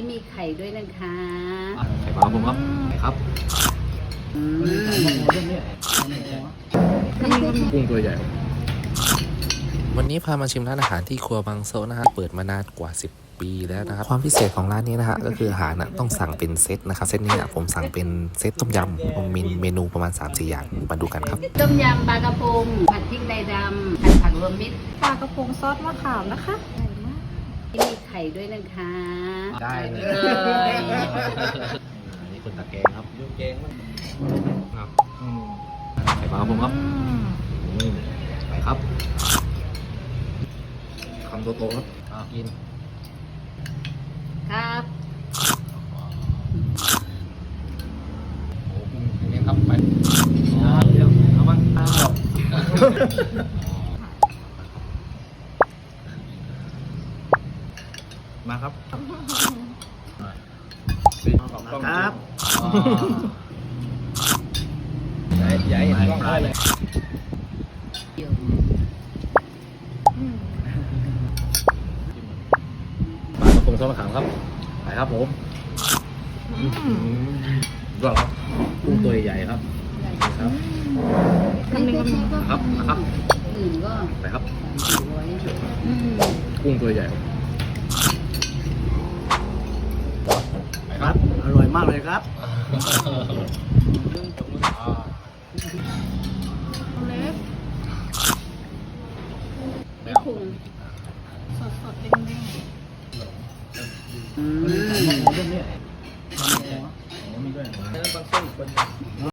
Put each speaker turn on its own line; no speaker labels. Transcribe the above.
มีไข่ด้วยนะคะ
ไข่ปลาผมครับไข่ครับกุ้งตัวใหญ่
วันนี้พามาชิมร้านอาหารที่ครัวบางโซนะฮะเปิดมานานกว่า10 ปีแล้วนะครับความพิเศษของร้านนี้นะฮะก็คืออาหารต้องสั่งเป็นเซตนะครับเซตนี้ผมสั่งเป็นเซตต้มยำผมมีเมนูประมาณ 3-4 อย่างมาดูกันครับ
ต้มยำปลากระพงผัดพริกไทยดำผัดผักรวมมิตร
ปลากระพงซอสมะขามนะคะ
มีไข่ด้วยนะคะ
ได้เลยนี่คนตะแกงครับยูแกงครับไข่ปลาผมครับไปครับคำโตๆครับกิน
ครับ
โอ้ยนี่ครับไปเดี๋ยวเอาบ้างมาครับครับใหญ่ๆต้องได้เลยปลากระพงทอดมะขามครับไปครับผมรอครับกุ้งตัวใหญ่ครับครับ
ไม่ใช่ก็
ครับนะครับ
อื่นก็
ไปครับ
300
กุ้งตัวใหญ่ไปครับ
อร่อยมากเลยครับ
เล็ก
ไม่พุง
สดๆเด้ง